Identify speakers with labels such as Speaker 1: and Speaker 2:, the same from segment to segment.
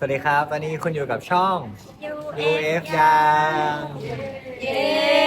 Speaker 1: วัสดีครับ ตอนนี้คุณอยู่กับช่อง UF
Speaker 2: ยั
Speaker 1: ยัง
Speaker 2: เย้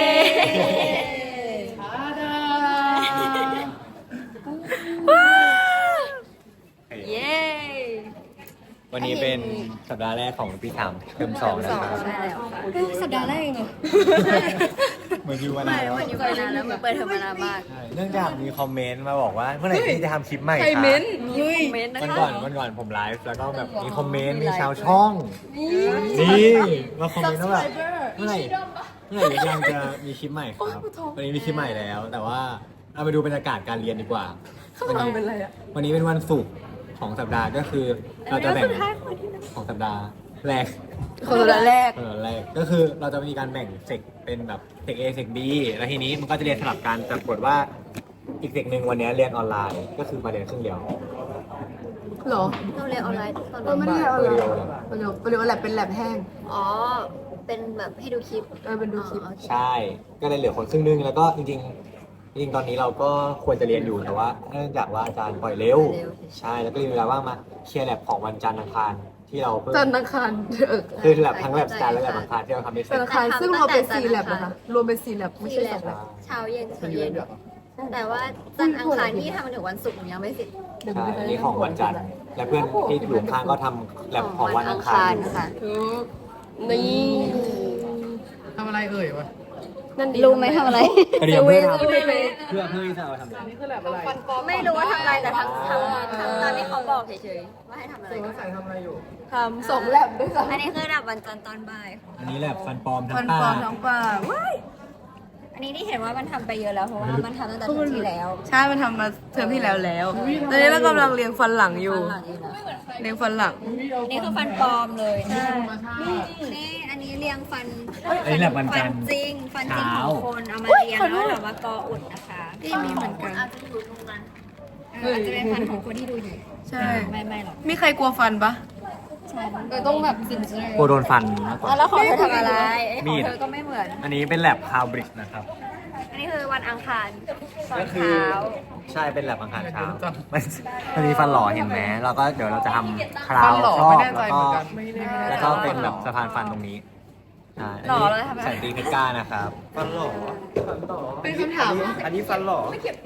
Speaker 2: เย้
Speaker 1: วันนี้เป็นสัปดาห์แรกของปีสามเทอมสองนะครับ
Speaker 2: ใช่แล้วค่ะ
Speaker 3: สัปดาห์แรกเองเหรอ
Speaker 1: เหมือนอยู่มานานแล้ว
Speaker 2: มันอยู่มานานแล้วมันเปิดเทอมมานานมาก
Speaker 1: ใช่เนื่องจากมีคอมเมนต์มาบอกว่าเมื่อไหร่ที่จะทำคลิปใหม่
Speaker 3: ใคร
Speaker 1: คะ
Speaker 3: เม้นเฮ้ย
Speaker 2: คอมเมนต์นะ
Speaker 1: วัน
Speaker 2: คะ
Speaker 1: ก่อนผมไลฟ์แล้วก็แบบมีคอมเมนต์มีชาวช่องนี่มาคอมเมนต์ว่าแบบเมื่อไหร่ยังจะมีคลิปใหม่ครับวันนี้มีคลิปใหม่แล้ว แต่ว่าเอาไปดูบรรยากาศการเรียนดีกว่า
Speaker 3: ข้างหลังเป็นอะไรอ่ะ
Speaker 1: วันนี้เป็นวันศุกร์ของสัปดาห์ก็คือเราจะแบ่งของสัปดาห์แรก
Speaker 3: คนละแรก
Speaker 1: ก็คือเราจะมีการแบ่งเซกเป็นแบบเซก A เซก B แล้วทีนี้มันก็จะเรียนสลับกันแต่ปรากฏว่าอีกเซกหนึ่งวันนี้เรียนออนไลน์ก็คือมาเรียนครึ่งเดียว
Speaker 3: เหรอ
Speaker 2: เราเรียนออนไลน์ตอน
Speaker 3: ไม่
Speaker 2: นี้
Speaker 3: ได้เอาอะไรประโยชน์แลบเป็นแลบแห้ง
Speaker 2: อ๋อ เป็นแบบให้ดูคลิป
Speaker 3: เป็นดูคลิป
Speaker 2: อ๋อโอเค
Speaker 1: ใช่ ก็เลยเหลือคนครึ่งนึงแล้วก็จริงตอนนี้เราก็ควรจะเรียนอยู่แต่ว่าเนื่องจากว่าอาจารย์ปล่อยเร็ว ใช่แล้วก็มีเวลาว่างมาเคลียร์แลบของวันจันทร์อังคารที่เราเพิ่ง
Speaker 3: จันทร์อังคาร
Speaker 1: คือแลบทั้งแลบจันทร์และแลบอังคารที่เราทำไม่เสร็
Speaker 3: จั
Speaker 1: จ
Speaker 3: นทร์อังคารซึ่งเราเป็น4แลบนะคะ รวมเป็น4แลบไม่ใช่2แลบ
Speaker 2: เช้าเย็นแต่ว่าจันทร์อังคารที่ทำมาถึงวันศุกร์ยังไม่เสร็จ
Speaker 1: ใช่อันนี้ของวันจันทร์และเพื่อนที่อยู่ข้างๆก็ทำแลบของวันอังคารอยู่
Speaker 2: ค่ะ
Speaker 3: นี่
Speaker 4: ทำอะไรเอ่ยวะ
Speaker 3: นั่นดี
Speaker 2: รู้ไหมทำอะไร
Speaker 1: เตรียมเพื่อทำ
Speaker 3: เซเว่น
Speaker 1: เพื่อที่จะเอาทำอะไร
Speaker 4: นี่คือแบบอะไร
Speaker 2: ไม่รู้ว่าทำอะไรแต่ทำตามที่เขาบอกเฉยๆว่าให้ทำอะไร
Speaker 4: เด็กใส่ทำอะไรอยู่
Speaker 3: ทำ2แลบด้วยค่ะ
Speaker 2: อันนี้คือดับวันจันทร์ตอนบ่าย
Speaker 1: อันนี้แลบฟันปลอมทั้
Speaker 3: ฟั
Speaker 1: ง
Speaker 3: น
Speaker 1: ตา
Speaker 3: ปลอมทั้งปลาว้าย
Speaker 2: อันนี้ที่เห็นว่ามันทำไปเยอะแล้วเพราะว่ามันทำตั้งแต่เทอมที่แล้ว
Speaker 3: ใช่ มันทำมาเทอมที่แล้วตอนนี้เรากำลังเรียงฟันหลังอยู่
Speaker 2: ฟันหลังอยู่นะ
Speaker 3: เรียงฟันหลัง
Speaker 2: อันนี้คือฟันปลอมเลยนี่อันนี้เรียงฟัน
Speaker 1: อันนี้แลบวันจันทร์
Speaker 2: จริงฟันจริงของคนเอามาเรียงแล้วเรามากออุดนะคะ
Speaker 3: นี่มีเหมือนกัน
Speaker 2: อาจจะอยู่ตรงนั้นอาจจะเป็นฟันของคนที่ดูอยู่
Speaker 3: ใช่
Speaker 2: ไม่หรอก
Speaker 3: มีใครกลัวฟันปะ
Speaker 2: ใช่
Speaker 3: ต้องแบบสินเชื่
Speaker 1: กลัวโดนฟันมากกว่า
Speaker 2: แล้วของเธอทำอะไร
Speaker 1: มี
Speaker 2: ของ
Speaker 1: ด
Speaker 2: เธอก็ไม่เหมือน
Speaker 1: อันนี้เป็นแลบคาวบริดจ์นะครับ
Speaker 2: อันนี้คือวันอังคารตอน
Speaker 1: ก็คือ
Speaker 2: เช้า
Speaker 1: ใช่เป็นแลบอังคารเช้ามันมีฟันหล่อเห็นไหมแล้วก็เดี๋ยวเราจะทำคราว
Speaker 4: ฟันหล่อ
Speaker 1: ครอ
Speaker 4: ไม่
Speaker 1: บ
Speaker 4: แน่ใจ
Speaker 1: แล้ว
Speaker 4: เห
Speaker 1: ก็
Speaker 4: มือนกันไม่ได้
Speaker 1: แล้วก็เป็นแบบสะพานฟันตรงนี้ใช่
Speaker 2: หล่อเลยทำไม
Speaker 1: แสนตีเพชรก้านะครับ ฟันหล่อ
Speaker 3: เป็นคำถาม
Speaker 1: อันนี้ฟันหล่อ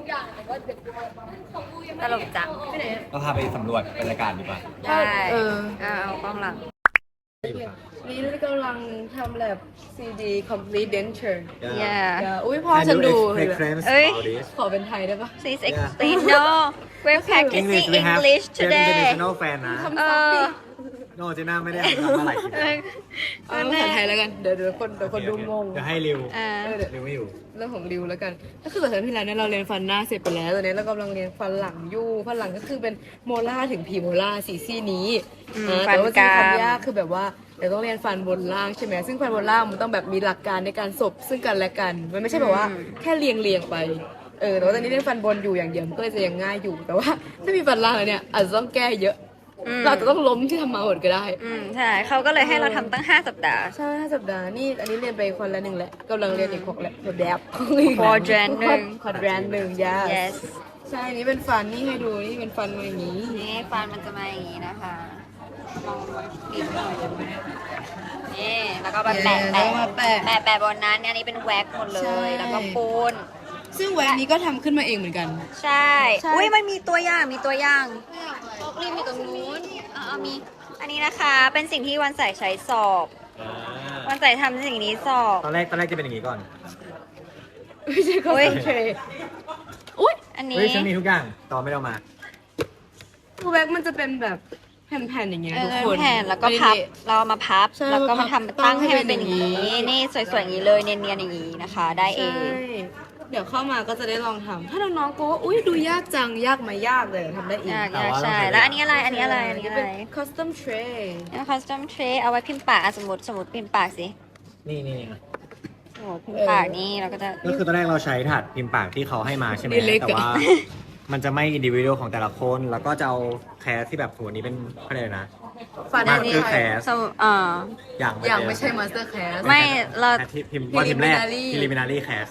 Speaker 2: ตลกจัง
Speaker 1: เราพาไปสำรวจบรรยากาศดีกว่า
Speaker 2: ได้
Speaker 3: เอากล้องหลังนี่เรากำลังทำแลบ CD complete denture
Speaker 2: อย่า
Speaker 3: อุ้ยพ่อฉันดู
Speaker 2: เอ้ย
Speaker 3: ขอเป็นไทยได้ปะ
Speaker 2: Please explain no we're practicing English today
Speaker 1: international fan นะ
Speaker 2: เออ
Speaker 1: โนเจน่าไม่ได้ทำอะไรคลิป
Speaker 3: เอาภาษาไทยแล้วกัน เดี๋ยวคนดูงง
Speaker 1: เดี๋ยวให้ริว
Speaker 2: อ่า
Speaker 1: ริวไม่อยู่
Speaker 3: เรื่องของริวแล้วกัน ก็คือตอนที่แล้วเนี่ยเราเรียนฟันหน้าเสร็จไปแล้วตอนนี้เรากำลังเรียนฟันหลังอยู่ฟันหลังก็คือเป็นโมล่าถึงพรีโมล่าสี่ซี่นี้แต่ว่าที่ความยากคือแบบว่าเดี๋ยวต้องเรียนฟันบนล่างใช่ไหมซึ่งฟันบนล่างมันต้องแบบมีหลักการในการสบซึ่งกันและกัน มันไม่ใช่แบบว่าแค่เรียงไปแต่ว่าตอนนี้เรียนฟันบนอยู่อย่างเดียวมันก็เลยจะยังง่ายอยู่แต่ว่าถ้ามีฟันล่างแล้วเนี่ยอาจจะต้องแก้เยอะเราอาจจะต้องล้มที่ทำมาหมดก็ได้
Speaker 2: ใช่เขาก็เลยให้เราทำตั้ง5 สัปดาห์
Speaker 3: ใช่5 สัปดาห์นี่อันนี้เรียนไปคนละ1แหละกำลังเรียนอีก6แหละแดบ
Speaker 2: quadrant หนึ่ง
Speaker 3: quadrant หนึ่ง
Speaker 2: yes
Speaker 3: ใช่อันนี้เป็นฟันนี่ให้ดูนี่เป็นฟันมาอย่างนี้
Speaker 2: นี่ฟันมันจะมาอย่างนี้นะคะลองกรีดหน่อยได้ไหมนี่แล้วก็มาแปะ
Speaker 3: แล้วมาแปะ
Speaker 2: แปะบนนั้นเนี่ยอันนี้เป็นแว็กหมดเล
Speaker 3: ใช่
Speaker 2: ย แล้วก็ปูน
Speaker 3: ซึ่งแหวนนี้ก็ทำขึ้นมาเองเหมือนกัน
Speaker 2: ใช่
Speaker 3: ใช่
Speaker 2: อุ้ยมันมีตัวอย่างรีบมีตรงนู้นมี อันนี้นะคะ เป็นสิ่งที่วันใส่ใช้สอบ วันใส่ทำสิ่งนี้สอบ
Speaker 1: ตอนแรกจะเป็นอย่างนี้ก่อน
Speaker 3: ไม่ใช่คอนเซนเทรตอุ้ย
Speaker 2: อันนี้
Speaker 1: เฮ้ยฉันมีทุกอย่างตอนไม่ได้เอามา
Speaker 3: ตัวแว็กมันจะเป็นแบบแผ่นๆอย่างเงี้ยทุกคน
Speaker 2: แผ่นแล้วก็พับ เราเอามาพับ
Speaker 3: ใช่
Speaker 2: แล้วก็มาทำตั้งให้มัน
Speaker 3: ตั้
Speaker 2: เป็น
Speaker 3: ง
Speaker 2: อ
Speaker 3: ให้
Speaker 2: ย่าง
Speaker 3: เป็นอย่างนี้
Speaker 2: นี้ นี่สวยๆอย่างนี้เลยเนียนๆอย่างนี้นะคะ ได้เอ
Speaker 3: ใช่
Speaker 2: ง
Speaker 3: เดี๋ยวเข้ามาก็จะได้ลองทำถ้าน้องๆกลัวว่าอุ้ยดูยากจังยากไหมยากเลยทำได้เอง
Speaker 2: ยาก
Speaker 1: แต่ว่า
Speaker 2: ใช่
Speaker 1: เราใช้
Speaker 2: แล้วอันนี้อะไร อันนี้อะไร อันนี้อะไร
Speaker 3: เป็น custom tray
Speaker 2: คัสตอมเทรเอาไว้พิมพ์ปากสมมติพิมพ์ปากสิ
Speaker 1: นี่
Speaker 2: โอ้พิมพ์ปากนี่เราก็จะ
Speaker 1: ก็คือตอนแรกเราใช้ถาดพิมพ์ปากที่เขาให้มาใช่ไหม
Speaker 3: นี่เล็กอะ
Speaker 1: แต่ว่า มันจะไม่อินดิวิวของแต่ละคน แล้วก็จะเอาแคสที่แบบสมมตินี้เป็นอะไรนะ
Speaker 3: ฟัน
Speaker 1: มา
Speaker 3: อั
Speaker 1: ส
Speaker 3: นนี้
Speaker 1: เตอร์แคส
Speaker 2: สมมุติ
Speaker 1: อย่าง
Speaker 3: อย่างไม่ใช่ master class
Speaker 2: ไม่เรา
Speaker 1: พิมพ์ว่าพิมพ์แรก
Speaker 3: Preliminary
Speaker 1: preliminary cast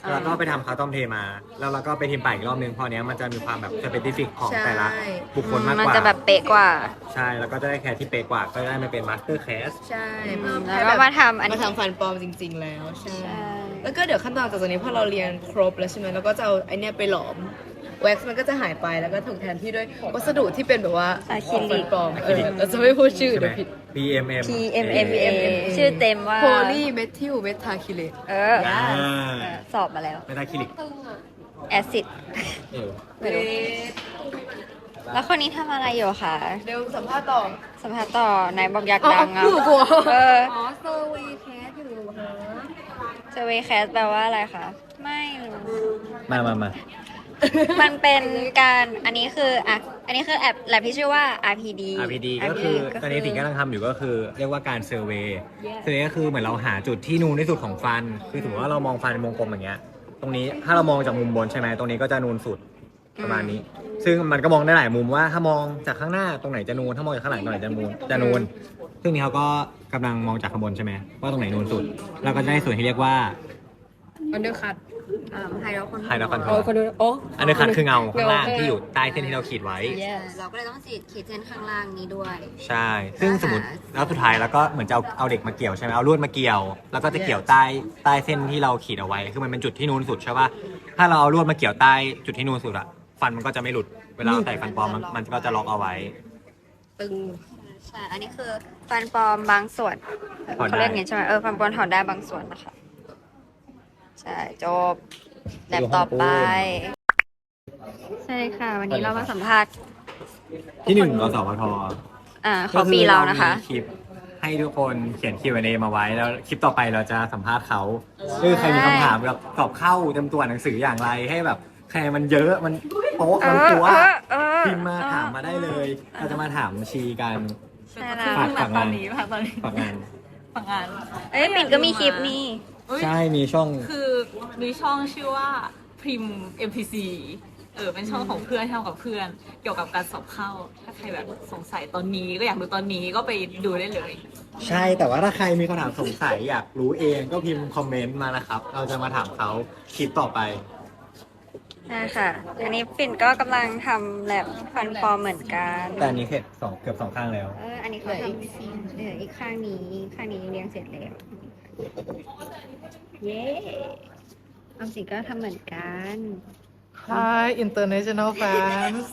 Speaker 1: แล้วก็ไปทำคาต้อมเทมา แล้วเราก็ไปทิมป่าอีกรอบนึงพอเนี้ยมันจะมีความแบบสเปซิฟิกของแต่ละบุคคลมากกว่า
Speaker 2: มันจะแบบเป๊ะกว่า
Speaker 1: ใช่แล้วก็จะได้แคสที่เป๊ะกว่าก็ได้มาเป็นมาสเตอร์แคส
Speaker 3: ใช่เพิ่ม
Speaker 2: แล้วก็มาทำอัน
Speaker 3: มา
Speaker 2: นี้
Speaker 3: ทำฟันปลอมจริง ๆ แล้วใช่
Speaker 2: ใช่
Speaker 3: แล้วก็เดี๋ยวขั้นตอนจากตรงนี้พอเราเรียนครบแล้วใช่ไหมเราก็จะเอาไอเนี้ยไปหลอมแว็กซ์มันก็จะหายไปแล้วก็ถูกแทนที่ด้วยวัสดุที่เป็นแบบว่า
Speaker 2: อะคริลิก
Speaker 3: ฟันปลอมเราจะไม่พูดชื่อ
Speaker 1: ใช่ไหม
Speaker 3: เดี๋ยวผิด
Speaker 1: PMM
Speaker 2: PMMA ชื่อเต็มว่า
Speaker 3: โพลีเมทิลเมทาคิเลต
Speaker 2: เออสอบมาแล้ว
Speaker 1: ไม่ได้คลินิก
Speaker 2: แอซิด
Speaker 1: เอว
Speaker 2: ไม่รู้แล้วคนนี้ทำอะไรอยู่คะ
Speaker 3: เร็วสัมภาษณ์ต่อ
Speaker 2: สัมภาษณ์ต่อไหนบอกอยากดังอ่ะ
Speaker 3: พูดกลัว
Speaker 2: เออ
Speaker 3: อ๋อเซอร์เวย์แคสอยู่ฮะ
Speaker 2: เซเวแคสแปลว่าอะไรคะ ไม่รู้
Speaker 1: มา
Speaker 2: มันเป็นการอันนี้คืออ่ะอันนี้คือแลบที่ชื่อว่า RPD
Speaker 1: RPD ก็คือตอนนี้สิ่งที่กำลังทำอยู่ก็คือเรียกว่าการเซอร์เวย์เซอร์เวย์ก็คือเหมือนเราหาจุดที่นูนที่สุดของฟัน คือสมมติว่าเรามองฟันเป็นวงกลมอย่างเงี้ย ตรงนี้ถ้าเรามองจากมุมบนใช่ไหมตรงนี้ก็จะนูนสุดประมาณนี้ ซึ่งมันก็มองได้หลายมุมว่าถ้ามองจากข้างหน้าตรงไหนจะนูน ถ้ามองจากข้างหลังตรงไหนจะนูน ซึ่งนี่เขาก็กำลังมองจากข้างบนใช่ไหมว่าตรงไหนนูนสุด แล้วก็จะได้ส่วนที่เรียกว่า
Speaker 3: อันเดอร์คัต
Speaker 2: ไฮโดรคอน
Speaker 1: ไฮโดรคอนโทร
Speaker 3: อ๋อ
Speaker 1: ล
Speaker 3: คนดูโอ้
Speaker 1: อันนี้คัดคือเงาข้างล่างที่อยู่ใต้เส้นที่เราขีดไว้
Speaker 2: เราก็เลยต้องขีดเส้นข้างล่างนี้ด้วย
Speaker 1: ใช่ ซึ่งสมมติแล้วสุดท้ายแล้วก็เหมือนจะเอาเด็กมาเกี่ยวใช่ไหมเอาลวดมาเกี่ยว แล้วก็จะเกี่ยวใต้เส้นที่เราขีดเอาไว้ คือมันเป็นจุดที่นูนสุดใช่ป่ะ ถ้าเราเอาลวดมาเกี่ยวใต้จุดที่นูนสุดอะฟันมันก็จะไม่หลุด เวลาเราใส่ฟันปลอมมันก็จะล็อกเอาไว้
Speaker 3: ตึง
Speaker 2: ใช่ อันนี้คือฟันปลอมบางส่วน
Speaker 1: ถอดได้
Speaker 2: เขาเรียกอย่างนี้ใช่ไหมฟันปลอมถอดได้บางส่วนนะคะ ใช่ จบแลบต่อไป ใช่ค่ะ วันนี้เรามาสัมภาษณ์
Speaker 1: ที่หนึ่งกสพท
Speaker 2: เขาปีเรานะคะ
Speaker 1: ก็อมีคลิปให้ทุกคนเขียน Q&A มาไว้ แล้วคลิปต่อไปเราจะสัมภาษณ์เขาคือใครมีคำถามแบบตอบเข้าเต็มตัวหนังสืออย่างไรให้แบบใครมันเยอะมันโป๊ะมันตัวพิมพ์มาถามมาได้เลย เราจะมาถามชีกัน
Speaker 2: ใช่แล้ว
Speaker 1: ฝากงาน
Speaker 5: ตอนนี้
Speaker 1: ฝากงาน
Speaker 5: ฝั่งงาน
Speaker 2: เอ้ยปิ่นก็มีคลิปนี่
Speaker 1: ใช่มีช่อง
Speaker 5: คือมีช่องชื่อว่าพิม MPC เป็นช่องของเพื่อนที่ทำกับเพื่อน เกี่ยวกับการสอบเข้า ถ้าใครแบบสงสัยตอนนี้ก็อยากดูตอนนี้ก็ไปดูได้เลย
Speaker 1: ใช่แต่ว่าถ้าใครมีคำถามสงสัยอยากรู้เองก็พิมพ์คอมเมนต์มานะครับ เราจะมาถามเขาคลิปต่อไป
Speaker 2: ใช่ค่ะ อันนี้ปิ่นก็กำลังทำแลบฟันปลอมเหมือนกัน
Speaker 1: แต่อันนี้เกือบสองข้างแล้ว
Speaker 2: อันนี้เขาทำเหลืออีกข้างนี้เรียงเสร็จแล้ว เย้ออมสินก็ทำเหมือนกัน
Speaker 4: Hi international fans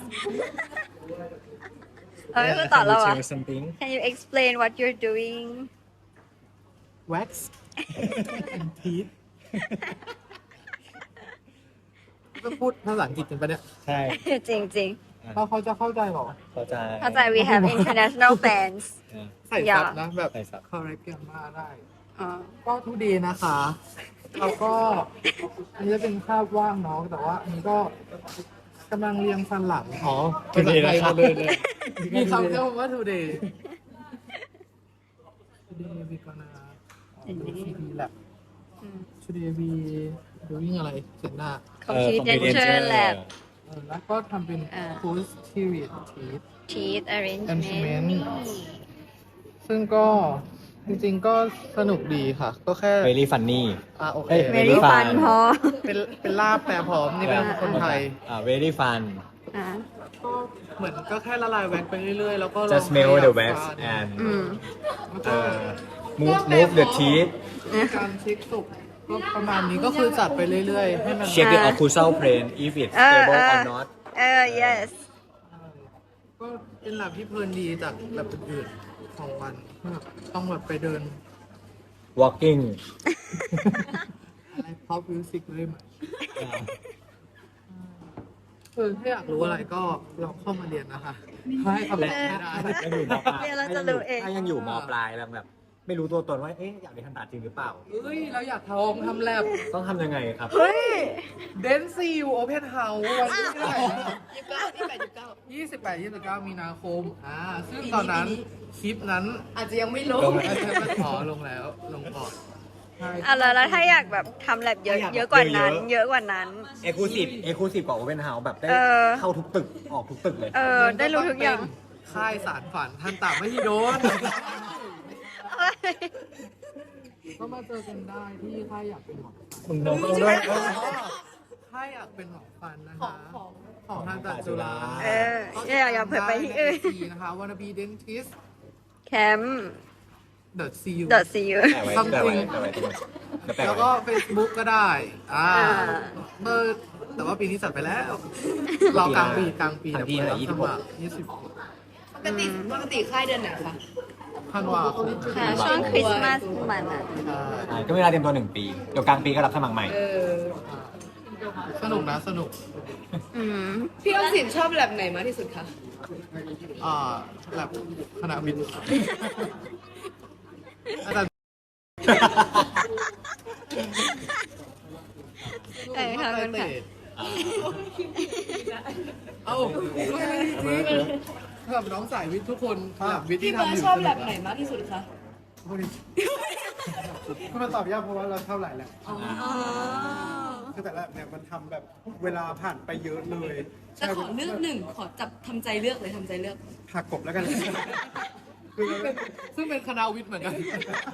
Speaker 2: เราไม่พูดต่อแล้วอ่ะ
Speaker 1: Share something
Speaker 2: Can you explain what you're doing
Speaker 4: wax and teeth ก็พูดภาษาอังกฤษกันปะเนี่ย
Speaker 1: ใช่
Speaker 2: จริงจริง
Speaker 4: เขาจะเข้าใจเหรอ
Speaker 1: เข้าใจ
Speaker 2: ๆเข้าใจ we have international fans
Speaker 4: ใส่ซับนะแบบ
Speaker 1: ใส่ซับ
Speaker 4: correct กันมาได้
Speaker 2: อ๋อ
Speaker 4: ก็ทุกดีนะคะ แล้วก็อันนี้จะเป็นคาบว่างเนาะแต่ว่าอันนี้ก็กำลังเรียงฟันหลังอ๋อ
Speaker 1: today นะครับ
Speaker 4: เลยมีคำเรียกว่า today today we gonna CD lab today we doing อะไรเสร็จหน้า
Speaker 2: Computer Lab
Speaker 4: แล้วก็ทำเป็น posterior teeth
Speaker 2: teeth arrangement
Speaker 4: Arrangement ซึ่งก็จริงๆก็สนุกดีค่ะ ก็แค่
Speaker 1: very funny
Speaker 4: โอเค
Speaker 1: เอ้ย
Speaker 2: very
Speaker 1: fun
Speaker 2: fun พอ
Speaker 4: เป็นลาบแปรพร้อมนี่เป็นคนไทย
Speaker 1: very fun
Speaker 2: อ่า
Speaker 4: ก็เหมือนก็แค่ละลายแว็กไปเรื่อยๆ แล้วก็ลอง
Speaker 1: just smell the wax
Speaker 4: ขยับฟัน
Speaker 1: and
Speaker 2: อืม
Speaker 1: move the teeth
Speaker 4: มีการเช็คสุกก็ประมาณนี้ก็คือจัดไปเรื่อยๆ ให้มัน
Speaker 1: check the occlusal plane if it's stable or not
Speaker 2: yes
Speaker 4: ก็เป็นหลับที่เพลินดีจากหลับอื่นๆของวันแบบต้องแบบไปเดิน
Speaker 1: walking
Speaker 4: อะไรพอปมิวสิกเลยมั้ยถ้าอยากรู้อะไรก็ลองเข้ามาเรียนนะคะให้คำตอบไม่ได้
Speaker 1: ยังอยู่มปลาย
Speaker 2: เรียนแล้วจะรู้เอง
Speaker 1: ถ้ายังอยู่มปลายแล้วแบบ ไม่รู้ตัวตนว่าอยากเรียนทันตาจริงหรือเปล่า
Speaker 4: เอ้ยเราอยากทำแลบ
Speaker 1: ต้องทำยังไงครับ
Speaker 4: เดนซีวโอเพนเฮาส์วันที่เท่าไหร่28-29 มีนาคมซึ่งตอนนั้นคลิปนั้น
Speaker 3: อาจจะยังไม่รู้
Speaker 1: ลง
Speaker 4: อาจจะมาขอลงแล้วลงก่อนใช่
Speaker 2: แล้วถ้าอยากแบบทำแลบเยอะ
Speaker 1: อยาก
Speaker 2: เยอะกว่านั้น
Speaker 1: เยอะ
Speaker 2: เยอะกว่านั้น
Speaker 1: exclusive กว่า open house แบบได้
Speaker 2: เออ
Speaker 1: เข้าทุกตึกออกทุกตึกเลย
Speaker 2: ได้รู้ทุกอย่าง
Speaker 4: ค่ายสารฝันทันตามไม่ฮิโดนก็มาเจอกันได้ที่ถ้าอยากเป็นหมอ
Speaker 1: มึงโดนต้องด้วย
Speaker 4: ถ้าอยากเป็นหมอฟันนะคะของทางตัดจุฬา
Speaker 2: อย่าเผยไปที่อื่น
Speaker 4: ใน IG นะคะ wanna be dentist
Speaker 2: แคมป์
Speaker 4: .cu
Speaker 2: .cu
Speaker 1: แต่ไว้แต่ไว้แต่ไว้
Speaker 4: แล้วก็ Facebook ก็ได้เมื่อแต่ว่าปีนี้จัดไปแล้ว เรากลางปีเดี๋ยวเปิดรับสมัคร20
Speaker 3: ปกติค่ายเดือนไหนคะ
Speaker 4: ธันวาคม
Speaker 2: ค่ะช่วงคริสต์มาสมันอ่ะ
Speaker 1: ก็เวลาเตรียมตัว1 ปี เดี๋ยวกลางปีก็รับสมัครใหม่
Speaker 4: สนุกนะสนุก
Speaker 3: พี่ออมสินชอบแบบไหนมากที่สุดคะ
Speaker 4: แบบคณะวิทย์อาจารย์
Speaker 2: ขอบคุณค่ะ
Speaker 4: เอ้าสำหรับน้องสายวิทย์ทุกคนแบบวิทย์
Speaker 3: พี่
Speaker 4: ที่
Speaker 3: เบิร์
Speaker 4: ทำ
Speaker 3: ด
Speaker 4: อยู่
Speaker 3: ชอบแบบไหนมากที่สุดคะ
Speaker 4: ก็มันตอบยากเพราะว่าเราเท่าไหร่แหละคือแต่ละเนี่ยมันทำแบบเวลาผ่านไปเยอะเลย
Speaker 3: จะขอเลือกหนึ่งขอจับทำใจเลือกเลยทำใจเลือก
Speaker 4: หักกบแล้วกันคือซึ่งเป็นคณะวิทย์เหมือนกัน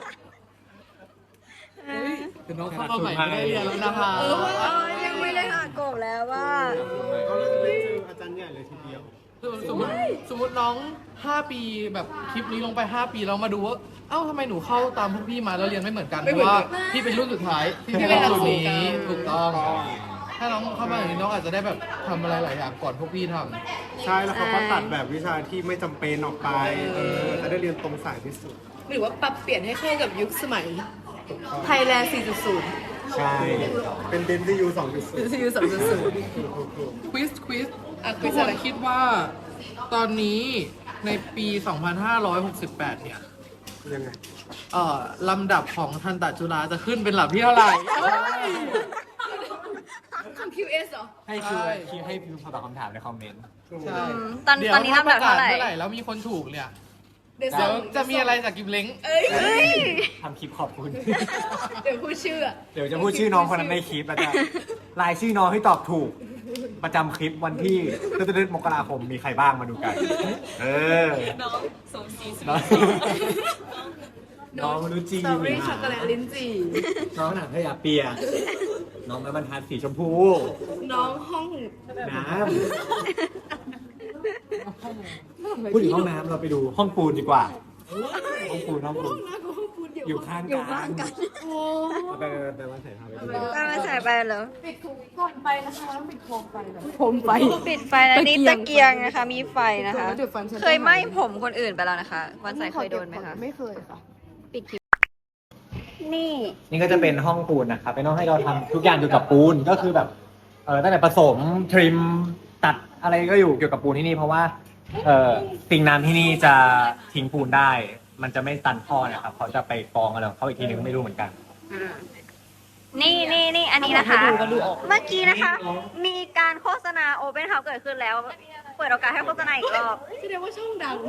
Speaker 4: แต่น้องเข้ามาใหม่ไม่ได้เรียนแล้วนะคะ
Speaker 2: ยังไม่ได้หากบแล้วว่า
Speaker 4: ก็เลยได้เจออาจารย์ใหญ่เลยทีเดียวสมมติน้อง 5 ปีแบบคลิปนี้ลงไป 5 ปีเรามาดูว่าเอ้าทำไมหนูเข้าตามพวกพี่มาแล้วเรียนไม่เหมือนกันเพราะว่าพี่เป็นรุ่นสุดท้ายที่เป็นรุ่นนี้ถูกต้อง ถ้าน้องเข้ามาอย่างนี้น้องอาจจะได้แบบทำอะไรหลายอย่างก่อนพวกพี่ทำ
Speaker 6: ใช่ แล้วเขาก็ตัดแบบวิชาที่ไม่จำเป็นออกไปจะได้เรียนตรงสายที่สุด
Speaker 3: หรือว่าปรับเปลี่ยนให้เข้ากับยุคสมัยไทยแลนด์ 4.0
Speaker 6: ใช่ เป็นเดนที่ยู2.0
Speaker 3: ซีอู2.0
Speaker 4: ควิส
Speaker 3: อ่ะ
Speaker 4: ทุก
Speaker 3: quiz
Speaker 4: ค
Speaker 3: อะไร
Speaker 4: นคิดว่าตอนนี้ในปี 2568 เนี่ย
Speaker 6: ยังไง
Speaker 4: ลำดับของทันตจุฬาจะขึ้นเป็นหลักที่เท่าไหร่
Speaker 3: คำ QS เหรอ
Speaker 1: ให้พิมพ์ตอบคำถามในคอมเมนต์
Speaker 4: ใช่
Speaker 2: ตอน
Speaker 4: เดี๋ยว
Speaker 2: นี้ลำดับเท่าไหร่
Speaker 4: ถ้ประกศมื่อไหร่แล้วมีคนถูกเนี่ย
Speaker 3: เดี๋ยว
Speaker 4: เดี๋ยวจะมีอะไรจากกิมเล้ง
Speaker 1: ทำคลิปขอบคุณ
Speaker 3: เดี๋ยวพูดชื่ออะ
Speaker 1: เดี๋ยวจะพูดชื่อน้องคนนั้นในคลิปแล้วจะรายชื่อน้องให้ตอบถูก ประจำคลิปวันที่ตึ๊ดๆมกราคมมีใครบ้างมาดูกัน
Speaker 5: น้องสมศรีสุ
Speaker 1: น้อง
Speaker 5: ข
Speaker 1: น้องรู้จี
Speaker 3: สตรอเบอรี่ช็อกโกแลตลิ้นจี่
Speaker 1: น้องหนังขยะเปียกน้องไม้บรรทัดสีชมพู
Speaker 3: น้องห้อง
Speaker 1: น้ำพูดถึงห้องน้ำเราไปดูห้องปูนดีกว่า ห้องปูนอยู่ข้างกัน
Speaker 3: โอ้
Speaker 1: ไปวันใส่พาไปดู
Speaker 2: ก็มาใส่ไปเหรอ
Speaker 3: ปิดก่อนไปนะคะต้องปิดโคมไฟแบบโคมไฟ
Speaker 2: ปิดไฟแล้วนี่ตะเกียงนะคะ มีไฟนะคะ
Speaker 3: เดี๋ยวฟันฉัน
Speaker 2: เคยไหม้ผมคนอื่นไปแล้วนะคะ วันใส่เคยโดนไหมคะ
Speaker 3: ไม่เคยค่ะ
Speaker 2: ปิดคลิป นี่
Speaker 1: นี่ก็จะเป็นห้องปูนนะครับเป็นห้องให้เราทำทุกอย่างเกี่ยวกับปูนก็คือแบบตั้งแต่ผสมทริมตัดอะไรก็อยู่เกี่ยวกับปูนที่นี่เพราะว่าปิงน้ำที่นี่จะทิ้งปูนได้ มันจะไม่ตันท่อนะครับเขาจะไปกองอะไรของเขาอีกทีนึงไม่รู้เหมือนกัน
Speaker 2: นี่อันนี้นะคะ เมื่อกี้นะคะ มีการโฆษณาโอเ n นเฮาส์เกิดขึ้นแล้ว เปิดโอกาสให้โฆษณาอีกรอบ
Speaker 3: แสดงว่าช่องดัง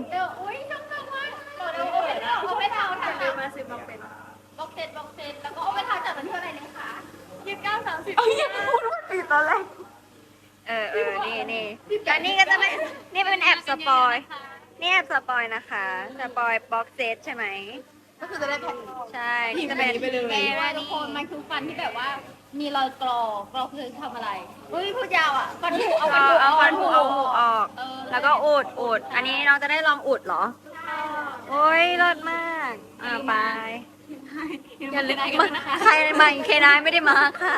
Speaker 7: เอาไปเทาถ่ายเร็วมา10บอกเซตแล้วก็เอาไปเทาจัดวันที่เท่าไหร่นะคะ29 30เอาอย่างนี้พูดว่า
Speaker 2: ปิดตอนแรกนี่อันนี้ก็จะเป็นนี่เป็นแอบสปอยนี่แอบสปอยนะคะสปอยบ็อกเซตใช่ไหม
Speaker 3: ก็คือจะได้แผ่น
Speaker 2: ใช่นี่จะเป็น
Speaker 3: ไปเลย
Speaker 7: แม่ว่าทุกคนมันคือฟันที่แบบว่า มีรอยกรอกคือทำอะไรเฮ้ยพูดยาวอ่ะฟันผุเอาฟันผุ
Speaker 2: เอาฟันผุเอาหูออก
Speaker 7: เออ
Speaker 2: แล้วก็อุด อันนี้น้องจะได้ลองอุดเหรอ โอ้ยเลิศมากไปอย่าลืมใครมาอีกเคนายไม่ได้มาค่ะ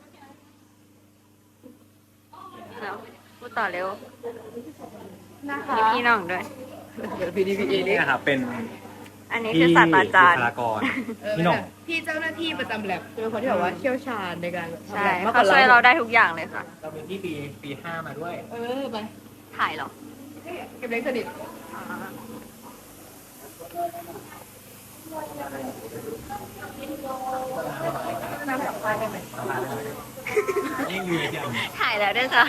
Speaker 2: เอาพูดต่อเร็ว
Speaker 3: นะคะ
Speaker 2: มีพี่น้องด้วย
Speaker 3: เดี๋ยว PDPA
Speaker 1: นี่นะครับเป็น
Speaker 2: อันนี้คือศาสตราจารย์
Speaker 1: บุคลากรพี่หน้อง
Speaker 3: พี่เจ้าหน้าที่ประจำแลบเป็นคนที่แบบว่าเชี่ยวชาญในการทำ
Speaker 2: ใช่
Speaker 3: แลบมากก
Speaker 2: เขา
Speaker 3: ว่า
Speaker 2: ช่วยเราได้ทุกอย่างเลยค่ะ
Speaker 1: เราเป็นที่ปี 5 มาด้วย
Speaker 3: ไป
Speaker 2: ถ่ายเหรอ
Speaker 3: เก็บเล็กสนิท
Speaker 1: นี่อยู่อย่าง
Speaker 2: ถ่ายแล้วด้วยจ้ะ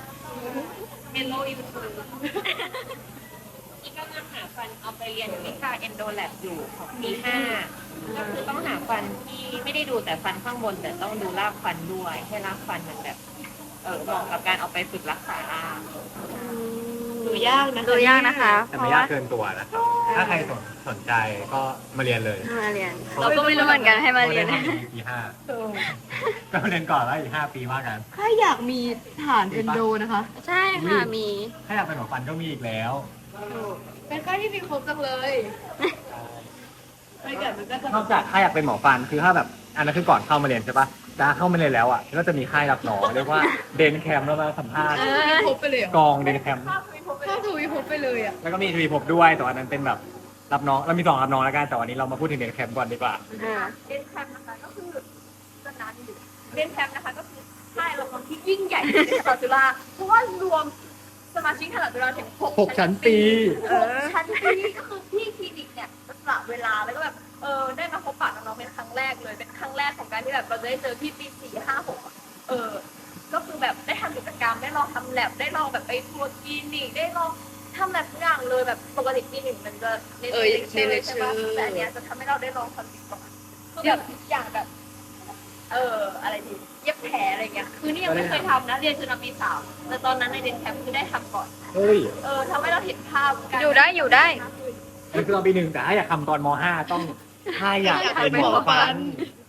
Speaker 8: ที่กำลังหาฟันเอาไปเรียนวิชา endo lab อยู่ของปี5ก็คือต้องหาฟันที่ไม่ได้ดูแต่ฟันข้างบน แต่ต้องดูรากฟันด้วย ให้รากฟันมันแบบเหมาะกับการเอาไปฝึกรักษาราก
Speaker 3: ดูยากนะคะ
Speaker 2: ดูยากนะคะ
Speaker 1: แต่
Speaker 2: เพ
Speaker 1: ไม่
Speaker 2: ราะ
Speaker 1: ยา
Speaker 2: ว่าก
Speaker 1: เกินตัวนะครับถ้าใครสนใจก็มาเรียนเลย
Speaker 2: มาเรียน เราก็ไม่รู้เหมือนกันให้มาเรียน
Speaker 1: ได้ทำอีกปีห้าก็เรียนก่อนแล้วอีก5 ปีว่ากัน
Speaker 3: ถ้าอยากมีฐานเอนโดนะคะ
Speaker 2: ใช่ค่ะมี
Speaker 1: ถ้าอยากเป็นหมอฟันก็มีอีกแล้ว
Speaker 3: เป็นค่ายที่มีครบจังเลยไม่เกิดมันก็จะ
Speaker 1: นอกจากถ้าอยากเป็นหมอฟันคือถ้าแบบอันนั้นคือก่อนเข้ามาเรียนใช่ปะถ้าเข้ามาเรียนแล้วอ่ะก็จะมีค่ายรับหมอเรียกว่าเดนแคมป์แล้วมาสัมภาษณ์
Speaker 3: ครบไปเลยเหร
Speaker 1: ก
Speaker 3: อ
Speaker 1: องเดนแคมป์
Speaker 3: ถ้าทวีครบไปเลยอ่ะ
Speaker 1: แล้วก็มีทวีภพด้วยแต่วันนั้นเป็นแบบรับน้องเรามี2รับน้องแล้วกันแต่วันนี้เรามาพูดถึงเดนแคมป์ก่อนดีกว่า
Speaker 7: เดนแคมป์นะคะก็คือสนานอยู่เดนแคมป์นะคะก็คือค่ายละครที่ยิ่งใหญ่ที่สุดในตลาดจุฬาเพราะว่ารวมสมาชิกตลาดจุฬาถึง6
Speaker 1: ชั้นปี
Speaker 7: 6 ชั้นปีก็คือที่คลินิกเนี่ยจะสละเวลาแล้วก็แบบได้มาพบปะน้องๆเป็นครั้งแรกเลยเป็นครั้งแรกของการที่แบบเราจะได้เจอพี่ปี4 5 6ก็คือแบบได้ทำกิจกรรมได้ลองทำแลบได้ลองแบบไปทัวร์คลินิกได้ลองทำแบบทุกอย่างเลยแบบปกติปี 1มันจะเน้นเลคเชอร์ใช่ปะแต่อันเนี้ยจะทำให้เราได้ลองทำสิ่งก่อนคือแบบอย่างแบบอะไรดีเย็บแผลอะไรเงี้ยคือนี่ยังไม่เคยทำนะเรียนจนมาปี 3แต่ตอนนั้นในเดนแคมป์คือได้ทำก่อน
Speaker 1: เฮ้ย
Speaker 7: ทำให้เราเห็นภาพการ
Speaker 2: อยู่ได้อยู่ได้
Speaker 1: นี่คือเราปี 1แต่ถ้าอยากทำตอนม .5 ต้องถ้าอยากเป็นหมอฟัน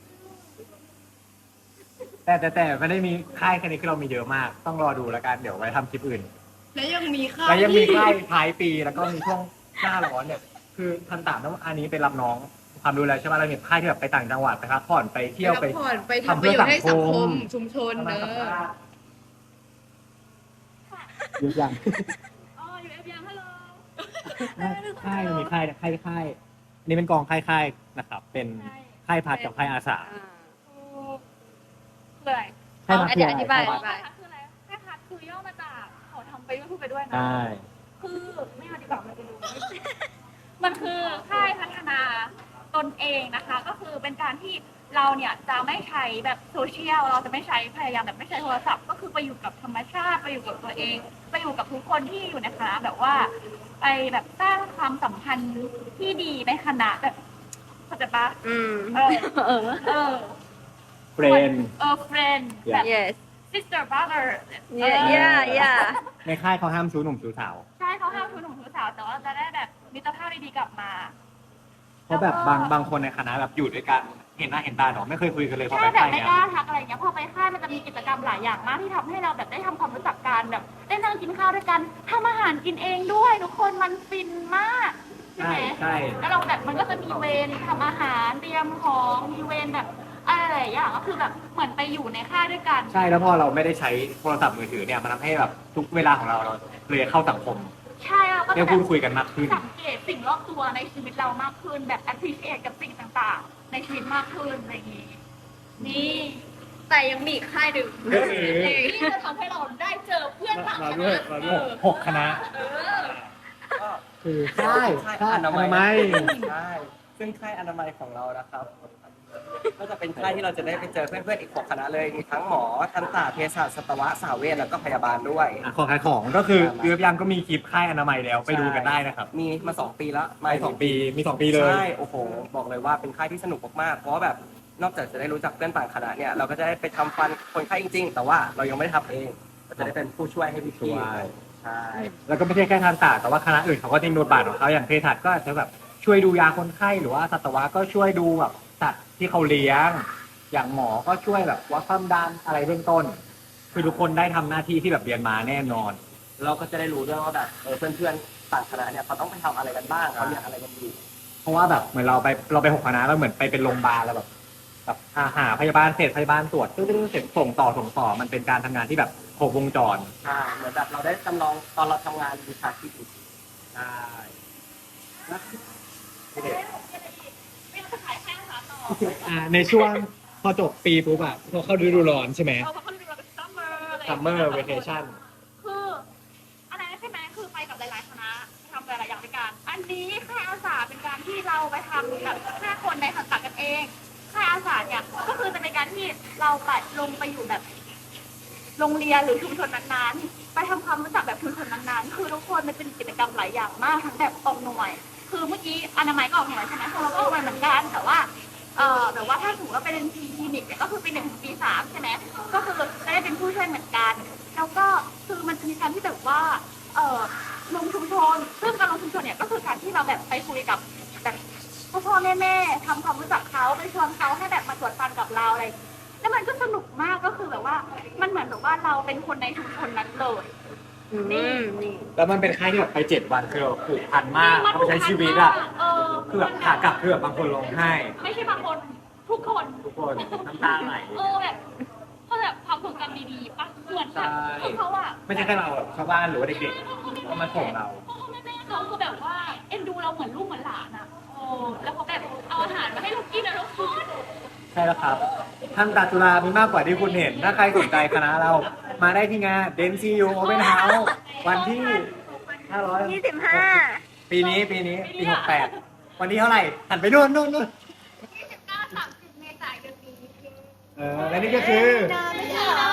Speaker 1: แต่ไม่ได้มีค่ายแค่นี้คือเรามีเยอะมาก ต้องรอดูแล้วกันเดี๋ยวไว้ทำคลิปอื่น
Speaker 3: และยังมีค่าย
Speaker 1: แล้วยังมีค่ายท้ายปีแล้วก็มีช่วงหน้าร้อนเนี่ยคือทันตามต้องอันนี้เป็นรับน้องความดูแลใช่ไหมเรามีค่ายที่แบบไปต่างจังหวัดไปพักผ่อนไปเที่ยวไป
Speaker 3: ผ่อนไปทำประโยชน์ให้สังคมชุมชนเนอะ
Speaker 1: เยอะยัง
Speaker 7: อยู่เอฟยังฮัลโหล
Speaker 1: ค่ายมันมีค่ายอันนี้เป็นกองค่ายนะครับ เป็นค่ายพัดกับค่ายอาสา
Speaker 7: คืออะไร
Speaker 1: ค่ายพัดคือ
Speaker 2: อธิบาย
Speaker 1: อะไร
Speaker 7: แค่พัดคืออะไรแค่พัดคือย่อมาจากขอทำไปด้วยพูดไปด้วยนะ
Speaker 1: ใช่
Speaker 7: คือไม่เอาดีกว่ามันจะดูมันคือค่ายพัฒนาตนเองนะคะ ก็คือเป็นการที่เราเนี่ยจะไม่ใช้แบบโซเชียลเราจะไม่ใช้พยายามแบบไม่ใช้โทรศัพท์ก็คือไปอยู่กับธรรมชาติไปอยู่กับตัวเองไปอยู่กับทุกคนที่อยู่ในคณะแบบว่าไปแบบสร้างความสัมพันธ์ที่ดีในคณะแบบเข้าใจปะ
Speaker 2: อืม
Speaker 7: เออ
Speaker 1: เฟรน
Speaker 7: friend แบบ
Speaker 2: yes
Speaker 7: sister brother
Speaker 2: yeah
Speaker 1: ในค่ายเขาห้ามชู้หนุ่มชู้สาว
Speaker 7: ใช่เขาห้ามชูหนุ่มชูสาวแต่ว่าจะได้แบบมิตรภาพดีๆกลับมา
Speaker 1: เพราะแบบบางคนในคณะแบบอยู่ด้วยกันเห็นหน้าเห็นตาเนาะไม่เคยคุยกันเลยพอ
Speaker 7: ใช่
Speaker 1: ไป
Speaker 7: แบบ
Speaker 1: ค่าย
Speaker 7: ไม่
Speaker 1: เนี้ย
Speaker 7: กล้าทักอะไรอย่างเงี้ยพอไปค่ายมันจะมีกิจกรรมหลายอย่างมากที่ทำให้เราแบบได้ทำความรู้จักกันแบบได้นั่งกินข้าวด้วยกันทำอาหารกินเองด้วยทุกคนมันฟินมากใช่ไหม
Speaker 1: ใช่
Speaker 7: แล้วเราแบบมันก็จะมีเวรทำอาหารเตรียมของมีเวรแบบอะไรหลายอย่างก็คือแบบเหมือนไปอยู่ในค่ายด้วยกัน
Speaker 1: ใช่แล้วพอเราไม่ได้ใช้โทรศัพท์มือถือเนี่ยมันทำให้แบบทุกเวลาของเราเลยเข้าสังคม
Speaker 7: ใช่เราก็
Speaker 1: ได้
Speaker 7: จะ
Speaker 1: พูดคุยกันมากขึ้น
Speaker 7: สังเกตสิ่งรอบตัวในชีวิตเรามากขึ้นแบบ appreciate กับสิ่งต่างๆ ในชีวิตมากขึ้นอะไรอย่างนี้นี่แต่ยังมีอีกค่ายหนึ่งที่จะทำให้เราได้เจอเพื่อนต่างคณะ
Speaker 1: 6 คณะ คือค่ายอนามัย
Speaker 9: ใช่ซึ่งค่ายอนามัยของเรานะครับ ก็จะเป็นค่ายที่เราจะได้ไปเจอเพื่อนๆอีก6 คณะเลยมีทั้งหมอทันตเภสัชสัตวะสาวเวชแล้วก็พยาบาลด้วย
Speaker 1: ขอขายของก็คือเรือพยังก็มีคลิปค่ายอนามัยแล้วไปดูกันได้นะครับ
Speaker 9: มีมา2 ปีแล้ว
Speaker 1: ไป2 ปีมี 2 ปีเลย
Speaker 9: ใช่โอ้โหบอกเลยว่าเป็นค่ายที่สนุกมากๆเพราะว่าแบบนอกจากจะได้รู้จักเพื่อนต่างคณะเนี่ยเราก็จะได้ไปทำฟันคนไข้จริง ๆ แต่ว่าเรายังไม่ได้ทำเองเราจะได้เป็นผู้ช่วยให้พี่
Speaker 1: ช่วย
Speaker 9: ใช่
Speaker 1: แล้วก็ไม่ใช่แค่ทันตะแต่ว่าคณะอื่นเขาก็จะมีบทบาทของเขาอย่างเภสัชก็อาจจะแบบช่วยดูยาคนไข้หรือว่าสัตวะก็ช่วยดูแบบสัตว์ที่เขาเลี้ยง อย่างหมอก็ช่วยแบบวัดความดันอะไรเบื้องต้น คือทุกคนได้ทำหน้าที่ที่แบบเรียนมาแน่นอน
Speaker 9: เราก็จะได้รู้ด้วยว่าแบบเพื่อนๆต่างคณะเนี่ยเขาต้องไปทำอะไรกันบ้างเขาเรียนอะไรกันอยู่
Speaker 1: เพราะว่าแบบเหมือนเราไป6 คณะแล้วเหมือนไปเป็นโรงพยาบาลแล้วแบบหาพยาบาลเสร็จพยาบาลตรวจตึ้งเสร็จส่งต่อมันเป็นการทำงานที่แบบครบวงจร
Speaker 9: ใช่เหมือนแบบเราได้จำลองตอนเราทำงานวิชาชีพอีก
Speaker 1: ใช่
Speaker 7: ไม่ต้องขายแค่อาหารต่อ
Speaker 1: ในช่วงพอจบปีปุ๊บอะพอเข้าฤดูร้อนใช่ไหม
Speaker 7: เพราะเขาเรียกว่าเป็น summer อะไร
Speaker 1: summer vacation
Speaker 7: คืออะไรใช่ไหมคือไปกับหลายๆคณะทำหลายๆอย่างด้วยกันอันนี้ค่ายอาสาเป็นการที่เราไปทำแบบ5 คนในสังกัดกันเองค่ายอาสาเนี่ยก็คือจะเป็นการที่เราไปลงไปอยู่แบบโรงเรียนหรือชุมชนนั้นๆไปทำความรู้จักแบบชุมชนนั้นๆคือทุกคนมันเป็นกิจกรรมหลายอย่างมากทั้งแบบออกหน่วยคือเมื่อกี้อนามัยก็ออกหน่วยใช่ไหมเราก็ออกหน่วยเหมือนกันแต่ว่าแบบว่าถ้าสมมติว่าไปเรียนคลินิกเนี่ยก็คือปี 1 ถึงปี 3ใช่ไหมก็คือจะได้เป็นผู้ช่วยเหมือนกันแล้วก็คือมันจะมีการที่แบบว่าลงชุมชนซึ่งการลงชุมชนเนี่ยก็คือการที่เราแบบไปคุยกับแบบพ่อแม่ทำความรู้จักเขาไปชวนเขาให้แบบมาตรวจฟันกับเราอะไรแล้วมันก็สนุกมากก็คือแบบว่ามันเหมือนแบบว่าเราเป็นคนในชุมชนนั้นเลยนี่
Speaker 1: แล้วมันเป็นค่ายที่แบบไป7 วันคือแบบผูกพันมากเขาไปใช้ชีวิตอ่ะคือแบบขากลับคือแบบบางคนร้องไห้
Speaker 7: ไม่ใช่บางคนทุกคน
Speaker 1: ทุกคนน้ำตาไหล
Speaker 7: แบบเขาแบบความทรงจำดีๆปะเหมือนแบบคือเขาอะ
Speaker 1: ไม่ใช่แค่เราแบบชาวบ้านหรือว่าเด็กๆก็มาส่งเรา
Speaker 7: แม่เขาคือแบบว่าเอ็นดูเราเหมือนลูกเหมือนหลานอะแล้วเขาแบบเอาอาหารมาให้เรากินนะทุกคน
Speaker 1: ใช่แล้วครับท่านตาจุฬามีมากกว่าที่คุณเห็น ถ้าใครสนใจคณะเรามาได้ที่งาน DenCU Open House วันที่
Speaker 2: 25
Speaker 1: ปีนี้ปี68วันที่เท่าไหร่หันไปนู่น
Speaker 7: 29-30 เมษายนนี้
Speaker 1: และนี่ก็คือ
Speaker 7: ไม่ใช่เหรอ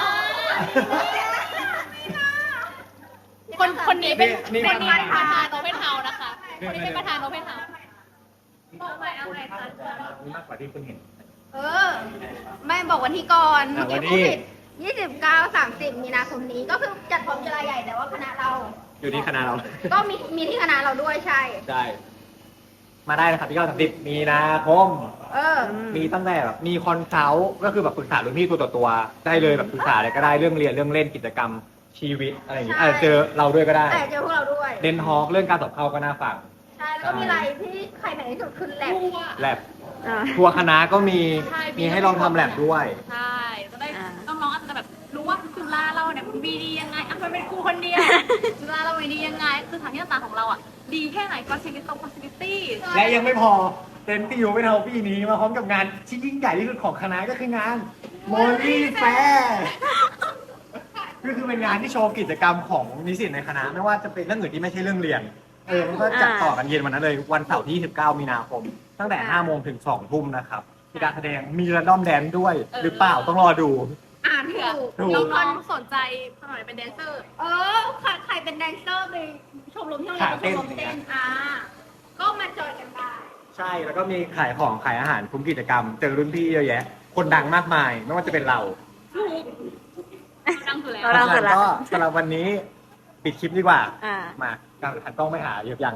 Speaker 7: คนนี้เป็นประธานโอเพนเฮาส์นะคะ คนนี้เป็นประธานโอเพนเฮาส์บอกไปเอาไปค่ะ
Speaker 1: มีมากกว่าที่คุณเห็น
Speaker 10: ไม่บอกวันที่ก่อน
Speaker 1: วันที่
Speaker 10: 29-30 มีนาคมนี้ก็คือจัดพร้อมกีฬาใหญ่แต่ว่าคณะเรา
Speaker 1: อยู่ที่คณะเรา
Speaker 10: ก็มีที่คณะเราด้วยใช่
Speaker 1: ใช่ มาได้นะครับที่30 มีนาคม มีตั้งแต่แบบมีคอนเสิร์ตก็คือแบบปรึกษารุ่นพี่ตัวต่อตัวได้เลยแบบปรึกษาอะไรก็ได้เรื่องเรียนเรื่องเล่นกิจกรรมชีวิตอะไรอย่างเงี้ย
Speaker 10: ใช่
Speaker 1: อาจจะเจอเราด้วยก็ได้
Speaker 10: แต่เจอพวกเราด้วย
Speaker 1: เดนฮอกเรื่องการสอบเข้าก็น่าฟัง
Speaker 10: ใช่ แล้วก็มีอะไรที่ใครไหนที่สุดคือแลบ
Speaker 1: แลบทัวร์คณะก็มีให้ลองทำแลบด้วย
Speaker 7: ใช่จะได้น้องๆอาจจะแบบรู้ว่าจุฬาเราเนี่ยมันดียังไงมันเป็นครูคนเดียวจุฬาเราดียังไงคือทางที่ต่างของเราอ่ะดีแค่ไหนก็ชีวิตตรง facility
Speaker 1: และยังไม่พอเต็นที่อยู่ไม่เท่าปีนี้มาพร้อมกับงานที่ยิ่งใหญ่ที่สุดของคณะก็คืองานโมลี่แฟร์ก็คือเป็นงานที่โชว์กิจกรรมของนิสิตในคณะไม่ว่าจะเป็นเรื่องอื่นที่ไม่ใช่เรื่องเรียนมันก็จัดต่อกันเย็นวันนั้นเลยวันเสาร์ที่29 มีนาคมตั้งแต่5 โมงถึง2 ทุ่มนะครับมีการแสดงมีระดมแดนด้วยหรือเปล่าต้องรอดู
Speaker 10: อ่านถูก
Speaker 7: น้องๆสนใจสมัยเป็นแดนเซอร์
Speaker 10: ใครเป็นแดนเซอร์ไปชมรมที่โรงเรียนชมรมเต้นก็มาจอยกันได้
Speaker 1: ใช่แล้วก็มีขายของขายอาหารคุ้มกิจกรรมเจอรุ่นพี่เยอะแยะ คนดังมากมายไม่ว่าจะเป็นเรา
Speaker 7: ดังสุดแล้ว
Speaker 2: เราเสร็จแล้ว
Speaker 1: ก็สำหรับวันนี้ปิดคลิปดีกว่า
Speaker 2: อ่า
Speaker 1: มาการหันกล้องไปหาเยอะยัง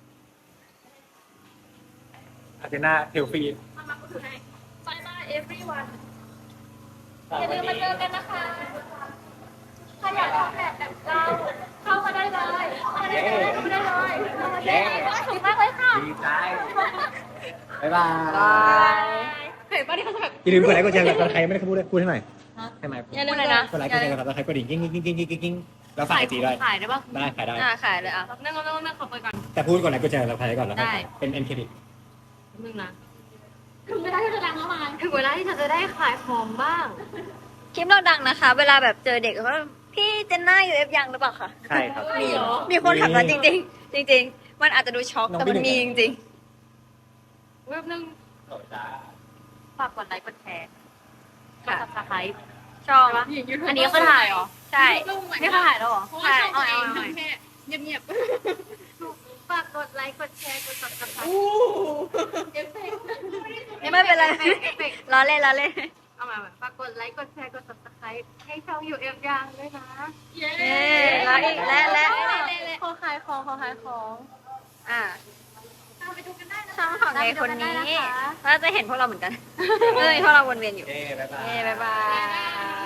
Speaker 1: อาเจน่าเทลฟี
Speaker 7: มาถือให้ Bye bye everyone อย่าลืมมาเจอกันนะคะ ถ้าอยากออกแบบเราเข้ามาได้เลยเข้ามาได้เลยเข้ามาได้เลยเข้ามาได้เลยถูกมากเลยค่ะ
Speaker 1: ดีใจบ๊ายบาย
Speaker 7: เห็นป่ะที่เขาจะแบบ
Speaker 1: อย่าลืมกดไลค์กดแชร์กับใครไม่ได้พูดเลยพูดให้หน่อยให้ไหม
Speaker 7: อย่าลืมเลยนะ
Speaker 1: กดไลค์กดแชร์กับใครกดดิ่งกิ้งกิ้งกิ้งกิ้งกิ้งแล้วฝากไอจีด้วย
Speaker 7: ขายได้ป่ะ
Speaker 1: ได้ขายได้
Speaker 2: ขายเลยอ่ะ
Speaker 7: นั่งขอเปิดก่อน
Speaker 1: แต่พูดกดไลค์กดแชร์กับใครก่อนแล้วค่อย
Speaker 7: ได้
Speaker 1: เป็นเอ็นเครดิต
Speaker 7: นึงนะถึงเวลาที่จะดังแล้วมา
Speaker 10: ถึงเวลาที่ฉันจะได้ขายของบ้าง
Speaker 2: คลิปเราดังนะคะ เวลาแบบเจอเด็กเขาพี่เจนน่าอยู่เอฟยังหรือเปล่าคะ
Speaker 1: ใช่ครับ
Speaker 2: มีคนถามเราจริงๆ จริง ๆ มันอาจจะดูช็อก
Speaker 1: น้อง
Speaker 2: แต่มัน
Speaker 1: พี่
Speaker 2: มี
Speaker 1: หนึ่ง
Speaker 2: จริง
Speaker 7: เว็บนึง ฝากกดไลค์กดแชร์
Speaker 2: ๆ ค่ะ
Speaker 7: ซับสไครต์
Speaker 2: ช่อง
Speaker 7: อันนี้คือถ่ายเหรอ
Speaker 2: ใช่
Speaker 7: นี่คือถ่ายแล้วเหรอ
Speaker 2: ใช่
Speaker 7: เอา
Speaker 2: เอา
Speaker 7: เอา
Speaker 2: เอา
Speaker 7: แค่เงียบ
Speaker 10: ฝากกดไลค์กดแชร์กด subscribe
Speaker 2: นี่ไม่เป็นไรล้อเล่นล้อเล่น
Speaker 10: เอามาฝากกดไลค์กดแชร์กด subscribe ให้ช่อง UF ยังด้วยนะ
Speaker 7: ๆเย้
Speaker 2: เย้แล้วอีกและ
Speaker 10: ขอขายของ
Speaker 2: อ่า
Speaker 7: ไปดูกันได้นะ
Speaker 2: ช่องของในคนนี้
Speaker 10: ตามไปดูกันได้นะคะ
Speaker 2: เราจะเห็นพวกเราเหมือนกัน เฮ้ยพวกเราวนเวียนอยู่
Speaker 1: เย้บ๊ายบาย
Speaker 2: เย้บ๊ายบาย